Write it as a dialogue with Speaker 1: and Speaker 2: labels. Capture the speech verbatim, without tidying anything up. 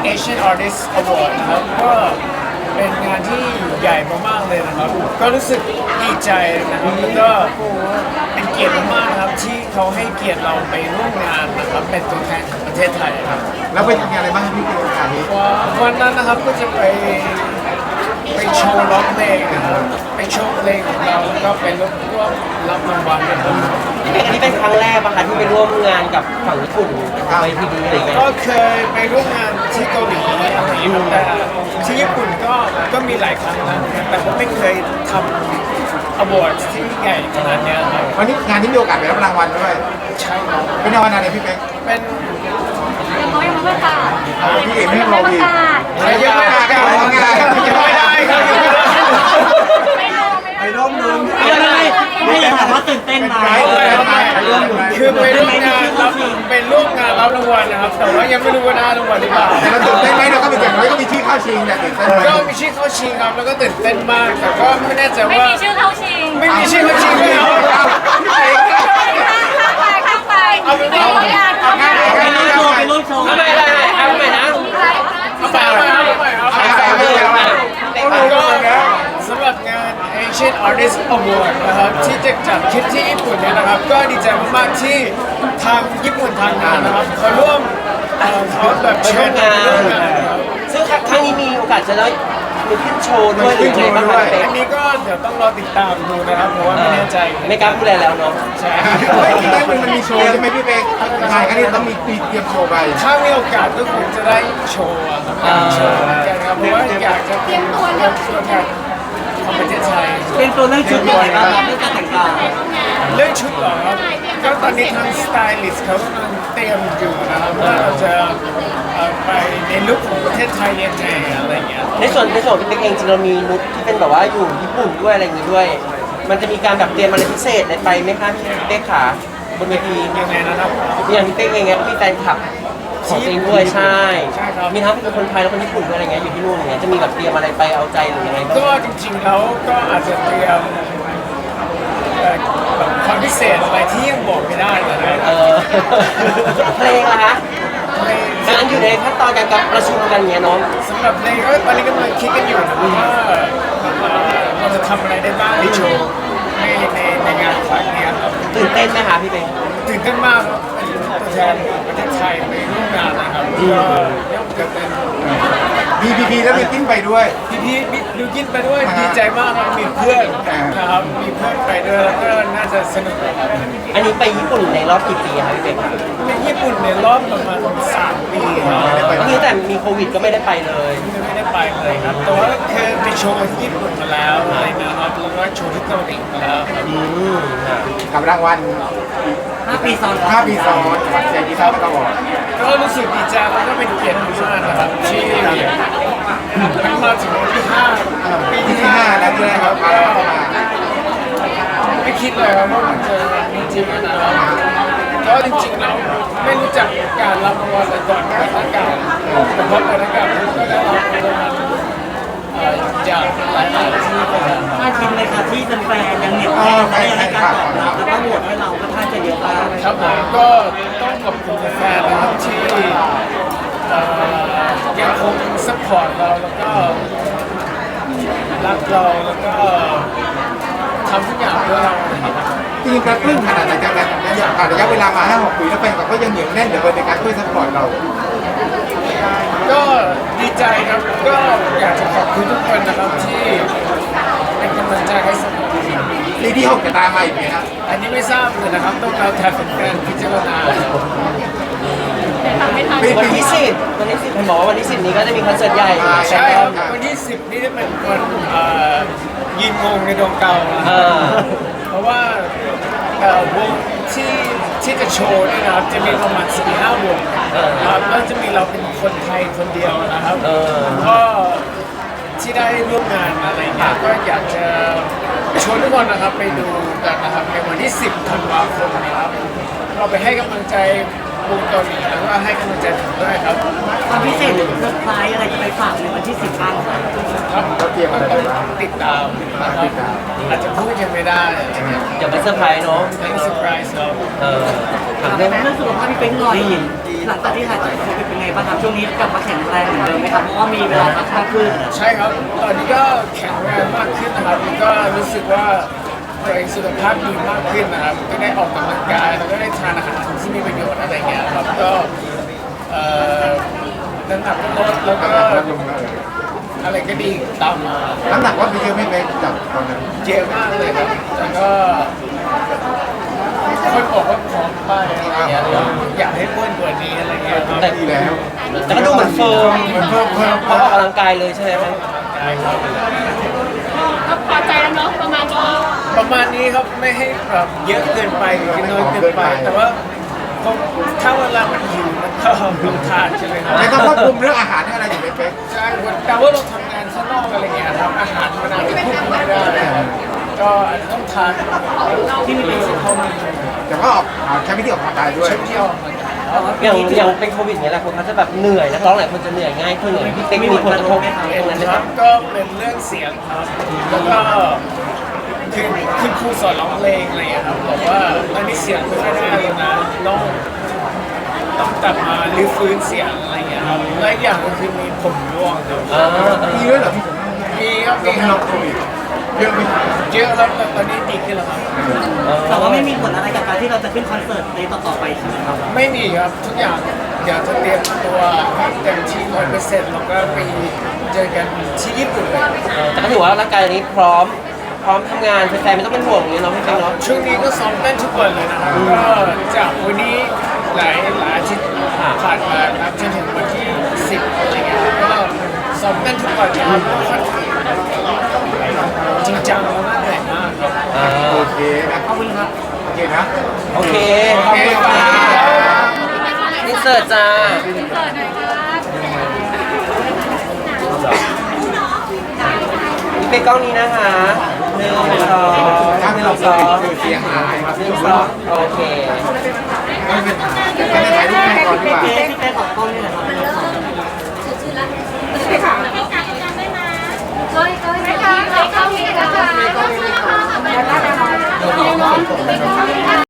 Speaker 1: Asian Artist Award นะครับก็เป็นงานที่ใหญ่มากๆเลยนะครับก็รู้สึกดีใจนะครับแล้วก็เป็นเกียรติมากๆนะครับที่เขาให้เกียรติเราไปร่วมงานนะครับเป็นตัวแทนของประเทศไทยครับ
Speaker 2: แล้วไปทำงานอะไรบ้างครับพี่ในโอกาสนี้
Speaker 1: วันนั้นนะครับก็จะไปไปโชว์ร้องเพลงนะครับไปโชว์เพลงของเราแล้วก็ไปร่วมร่วมรับรางวัลนะครับ
Speaker 3: อันนี้เป็นครั้งแรกปะคะที่ไปร่วมงานกับฝั่งญี่ปุ่นไปทีดีอะไรเงี้ย
Speaker 1: ก็เคยไปร่วมงานที่เกาหลีอะไรอย่างเงี้ยครับแต่ที่ญี่ปุ่นก็ก็มีหลายครั้งนะแต่ก็ไม่เคยทำอวอร์ดที่ใหญ่ขนาดเนี้ยครับ
Speaker 2: วันนี้งานนี้มีโอกาสไปรับรางวัลด้วย
Speaker 1: ใช่ครับ
Speaker 2: เป็นรางวัลอะไรพี่เป๊ก
Speaker 1: เป็น
Speaker 4: ยังไม่ยังไม่ประกาศ
Speaker 2: อ๋อพี่เอกไม่ให้
Speaker 4: ยัง
Speaker 2: เรา
Speaker 4: ไม่ประ
Speaker 2: อีก
Speaker 4: กาศ
Speaker 1: อะไรยังไม่ได้ยังไม่ได้ยังไม่ได้ครับยังไม่ได้
Speaker 4: ไม่รู้
Speaker 2: ไปร่วมลุ้น
Speaker 3: ไม่ไม่ไม่อยากถามว่าตื่นเต้นไหม
Speaker 1: คือไปร่วมงานรับไปร่วมงานรับรางวัลนะครับ แต่ว่ายังไม่รู้ว่าได้รางวัลหรือเปล่า
Speaker 2: แต่เราตื่นเต้นไหมเราก็เป็นอย่างน้อยก็มีชื่อเข้าชิงแต่ตื่นเต้นไหม
Speaker 1: ก็มีชื่อเข้าชิงครับแล้วก็ตื่นเต้นมาก แต่ก็ไม่แน่ใจ
Speaker 4: ไม่
Speaker 1: ว่า
Speaker 4: มีชื่อเข้าชิง
Speaker 1: ไม่มีชื่อเข้าชิงเลยเหรอ
Speaker 4: ข้ามไปข้ามไป
Speaker 1: เอาเป็นว่า
Speaker 4: ไม่อ่านข้ามไป
Speaker 3: ไปร่วมโชว์ไปร่วมโชว์ไม่ไม่ไม่เอาใหม่นะ
Speaker 1: เอาไปเอาไปเอาไปเอาไป
Speaker 2: ไปไปไปไป
Speaker 1: ก็สำหรับงาน Asian Artist Award นะครับที่จะจัดขึ้นที่ญี่ปุ่นเนี่ยนะครับ ก็ดีใจมากๆที่ทางญี่ปุ่นทางงานนะครับเขาร่วมเอ่อเขาแบบ
Speaker 3: ไป
Speaker 1: เชิ
Speaker 3: ร่ว
Speaker 1: ญ
Speaker 3: ม
Speaker 1: เรา
Speaker 3: งา
Speaker 1: ไปร่วม
Speaker 3: น
Speaker 1: งานนะครับ
Speaker 3: ซึ่งครั้งนี้มีโอกาสจะได้มีขึ้นโชว์ด้วยหรือไงบ้างคะเป็
Speaker 1: อันนี้ก็เดี๋ยวต้องรอติดตามดูนะครับเพราะว่าไม่แน่ใจ
Speaker 3: ไม่กล้าพูดอะไรแล้วเนาะ
Speaker 1: ใช่
Speaker 2: ไม่คิดว่ามันมีโชว์ใช่ไหมพี่เป๊กงานครั้งนี้ต้องมีมีเตรียมโชว์ไป
Speaker 1: ถ้ามีโอกาสก็คงจะได้โชว์อะครับอยากโชว์เหมือนกันครับเพราะว่าอยากจะเป็นตัวแทนของประเทศไทย
Speaker 3: เป็นตัวเรื่องชุดยังไงบ้างเรื่องการแต่งกาย
Speaker 1: เรื่องชุดเหรอครับก็ตอนนี้ทางสไตลิสต์เขากำลังเตรียมอยู่นะครับว่าเราจะเอ่อไปในลุคของประเทศไทยยังไงอะไรอย่างเงี้ย
Speaker 3: ในส่วนในส่วนของพี่เป๊กเองจริงเรามีนุชที่เป็นแบบว่าอยู่ญี่ปุ่นด้วยอะไรอย่างงี้ด้วย มันจะมีการแบบเตรียมอะไรพิเศษอะไรไปไหมคะพี่เป๊กขาบนเวที
Speaker 1: ยังไงนะครับ
Speaker 3: อย่างพี่เป๊กเองเนี่ยก็มีแฟนคลับของตัวเองด้วยใช่
Speaker 1: ใช่ครับ
Speaker 3: มีทั้งเป็นคนไทยและคนญี่ปุ่นด้วยอะไรเงี้ยอยู่ที่นู่นอย่างเงี้ยจะมีแบบเตรียมอะไรไปเอาใจหรือยังไงบ้าง
Speaker 1: ก็จริงๆแล้วก็อาจจะเตรียมเอ่อแบบความพิเศษอะไรที่ยังบอกไม่ได้นะ
Speaker 3: เออ เพลงล่ะคะ
Speaker 1: ใน
Speaker 3: กำลังอยู่ในขั้นตอนการประชุมกันเงี้ยเนาะ
Speaker 1: สำหรับในก็ตอนนี้กำลังคิดกันอยู่นะครับว่าเอ่อเราจะทำอะไรได้บ้างในโชว์ในในในงานครั้งนี้ครับ
Speaker 3: ตื่นเต้นไหมคะพี่เป๊ก
Speaker 1: ตื่นเต้นมากครับเป็นตัวแทนประเทศไทยไปร่วมงานนะครับก็ย่อมจะเป็น
Speaker 2: มีพีพีแล้วมีติ้นไปด้วย
Speaker 1: พี่พี่พี่ดูกินไปด้วยดีใจมากครับมีเพื่อนนะครับมีเพื่อนไปด้วยแล้วก็น่าจะสนุกครับ
Speaker 3: อันนี้ไปญี่ปุ่นในรอบกี่ปีคะพี่เป๊กคะ
Speaker 1: ในญี่ปุ่นในรอบประมาณสามปีครับ
Speaker 3: นี่แต่มีโควิดก็ไม่ได้ไปเลย
Speaker 1: ไม่ได้ไปเลยครับแต่ว่าเคยไปโชว์ที่ญี่ปุ่นมาแล้วอะไรนะครับแล้วก็โชว์ที่เกาหลีมาแล้วครับ
Speaker 3: อืมค่ะ
Speaker 2: กับรางวัล
Speaker 3: ห้าปีซ้อน
Speaker 2: ห้าปีซ้อนจากเจดีครับก็บอก
Speaker 1: ก็รู้สึกดีใจแล้วก็เป็นเกียรติมากนะครับที่มันมาถึงวันที่ห้าปี
Speaker 2: ที่
Speaker 1: ที่
Speaker 2: ห้า
Speaker 1: ห้า
Speaker 2: แล้วด้วยครับมาแล้วเข้ามา
Speaker 1: ไม่คิดเลยครับว่ามันจะจริงๆนะครับก็จริงๆแล้วไม่รู้จักการรับรางวัลแต่ก่อนการประกาศแต่พอประกาศก็ได้รับรางวัลจากหลายๆที่นะครับ
Speaker 3: น่าคิดเลยค่ะที่แฟนๆยังเหนียวแน่นและยังให้การตอบรับแล้วก็โหวตให้เราก็ท่าจะเยอะมาก
Speaker 1: ครับผมก็ต้องขอบคุณแฟนๆนะครับที่เอ่อยังคงซัพพอร์ตเราแล้วก็รักเราแล้วก็ทำทุกอย่างเพื่อเราอย่างนี้นะครับ
Speaker 2: จริงๆกระตุ้นขนาดไหนจากการผ่านระยะเวลามาห้าหกปีแล้วแฟนคลับก็ยังเหนียวแน่นเดี๋ยวในการช่วยซัพพอร์ตเรา
Speaker 1: ก็ดีใจครับก็อยากจะขอบคุณทุกคนนะครับที่เป็นกำลังใจให้เสมอ
Speaker 2: ปีที่หกจะตามมาอีกไหมครับ
Speaker 1: อันนี้ไม่ทราบเลยนะครับต้องเอาแทนแฟนๆพิจารณา
Speaker 4: ทำไม่ทัน
Speaker 2: ปี
Speaker 3: วัน
Speaker 2: ปี
Speaker 3: ที่สิบวันที่สิบผมบอกว่าวันที่สิบนี้ก็จะมีคอนเสิร์ตใหญ่
Speaker 1: ใช่ครับวันที่สิบนี่จะเป็นวันเอ่อยืนงงในดวงเก่านะ
Speaker 3: อ่า
Speaker 1: เพราะว่าเอ่อวงที่ที่จะโชว์เนี่ยนะครับจะมีประมาณสี่ห้าวงนะครับแล้วจะมีเราเป็นคนไทยคนเดียวนะครับ
Speaker 3: เออ
Speaker 1: ก็ที่ได้ร่วมงานอะไรเงี้ยก็อยากจะชวนทุกคนนะครับไปดูกันนะครับในวันที่สิบธันวาคมนะครับเราไปให้กำลังใจวงเกาหลีแล้วก็ให้กำลังใจผมด้วยครับ
Speaker 5: ความพิเศษหรือเซอร์ไพรส์อะไรจะไปฝากในวันที่สิบบ้างคะ
Speaker 1: ครับ
Speaker 2: เราเตรียมอะไรไว้บ้าง
Speaker 1: ติดตามนะครับอาจจะพูดยังไม่ได้อะไรเงี้ย
Speaker 3: เดี๋ยวเป็นเซอร์ไพรส์เนาะ
Speaker 1: ไม่เซอร์ไพรส์ครับ
Speaker 3: เออถามเรื่อง
Speaker 5: เรื่องสุขภาพพี่เป๊กหน่อยหลังจากที่หายจากโควิดเป็นไงบ้างครับช่วงนี้กลับมาแข็งแรงเหมือนเดิมไหมครับเพราะว่ามีเวลาพักมากขึ้น
Speaker 1: ใช่ครับ ตอนนี้ก็แข็งแรงมากขึ้นนะครับแล้วก็รู้สึกว่าตัวเองสุขภาพดีมากขึ้นนะครับ ก็ได้ออกกำลังกายแล้วก็ได้ทานอาหารที่มีประโยชน์อะไรเงี้ยครับ ก็เอ่อน้ำหนักก็ลดแล้วก็
Speaker 2: ลดลงแล้ว
Speaker 1: อะไรก็ดีตามมา
Speaker 2: น้ำหนักว่าไปเยอะไม่ไปจากตอนนั้น
Speaker 1: เยอะมากเลยครับ แล้วก็คนบอกว่าผอมไปอะไรเงี้ยแล้วอยากให้อ้วนกว่านี้อะไรเงี้ยครับ
Speaker 3: แต่
Speaker 2: ดีแล้ว
Speaker 3: แต่ก็ดูเหมือนเฟิร์ม
Speaker 2: มันเพิ่มเพิ่ม
Speaker 3: เพราะออกกำลังกายเลยใช่ไหมครับ
Speaker 4: ก็พอใจแล้วเนาะประมาณนี้
Speaker 1: ประมาณนี้ครับไม่ให้แบบเยอะเกินไปหรือน้อยเกินไป แต่ว่าผมถ้าเวลามันหิวมันก็ลงทานใช่ไหมครับ
Speaker 2: แล้วก็ควบคุมเรื่องอาหารเรื่องอะไรอยู่เป๊ก
Speaker 1: ใช่แต่ว่าเราทำงานข้างนอกอะไรเงี้ยครับอาหารมันอาจจะควบคุมไม่ได้ครับก็อาจจะต้องทานที่มีประโยชน์เข้ามา
Speaker 2: แต่ก็ออกใช้วิธีออกกำลังกายด้วย
Speaker 1: ใช้เที่ยวมัน
Speaker 3: อย่างอย่างเป็นโควิดอย่างเงี้ยแหละคนเขาจะแบบเหนื่อยนักร้องหลายคนจะเหนื่อยง่ายขึ้นเลยพี่เป๊กมีผลกระทบตรงนั้นไหม
Speaker 1: ค
Speaker 3: ค
Speaker 1: รั
Speaker 3: รั
Speaker 1: บบ ก็เป็นเรื่องเสียงครับ แล้วก็คือคือครูสอนร้องเพลงอะไรอย่างเงี้ยครับบอกว่าตอนนี้เสียงไม่ค่อยได้เลยนะต้องต้องกลับมารื้อฟื้นเสียงอะไรอย่างเงี้ยครับและอีกอย่างก็คือมีผมร่วงครับ
Speaker 3: อ่า
Speaker 2: มีด้วยเหรอพี่ผม
Speaker 1: มีครับ
Speaker 2: ล
Speaker 1: มี
Speaker 2: ง
Speaker 1: ค
Speaker 2: ล
Speaker 1: รั
Speaker 2: อบ งโควิดเยอะไหม
Speaker 1: เยอะครับแต่ตอนนี้ดีขึ้นแล้วครับ
Speaker 5: แต่ว่าไม่มีผลอะไรกับการที่เราจะขึ้นคอนเสิร์ตในต่อๆไปใช่ไหมครับ
Speaker 1: ไม่มีครับทุกอย่างเดี๋ยวจะเตรียมตัวให้เต็มที่ร้อยเปอร์เซ็นต์แล้วก็ไปเจอกันที่ญี่ปุ่นเลย
Speaker 3: เออแต่ก็ถือว่าร่างกายนี้พร้อมพร้อมทำงานแฟนๆไม่ต้องเป็นห่วงอย่างเงี้ยเนาะพี่เป๊กเนาะ
Speaker 1: ช่วงนี้ก็ซ้อมเต้นทุกวันเลยนะครับก็จากวันนี้หลายหลายอาทิตย์ผ่านมาครับจนถึงวันที่สิบอะไรเงี้ยก็ซ้อมเต้นทุกวันนะครับก็ค่อนข้างจริงจังแล้วก็เหนื่อยมากครับ
Speaker 3: อ่า
Speaker 2: โอเคนะ
Speaker 5: ขอบคุณครับ
Speaker 2: โอเคนะ
Speaker 3: โอเค
Speaker 2: โอเคครับ
Speaker 3: อินเสิร์ตจ้า
Speaker 4: เกิดหน่อยค่ะ
Speaker 3: พี่เป๊กกล้องนี้นะคะหนึ่งสอง
Speaker 2: ถ้า
Speaker 3: ห
Speaker 2: ไม่
Speaker 3: นึ่
Speaker 2: เรา
Speaker 3: ง
Speaker 2: ส
Speaker 3: ส
Speaker 2: อ
Speaker 3: อง ง
Speaker 2: คือเสียหายครับ
Speaker 3: หนึ่งสองโอเค
Speaker 2: ไม่เป็นไรจะได้ถ่ายรูปให้ก่อนดีกว่า
Speaker 5: พี่เป๊กพี่เป๊กขอบคุณนี่แหละครับ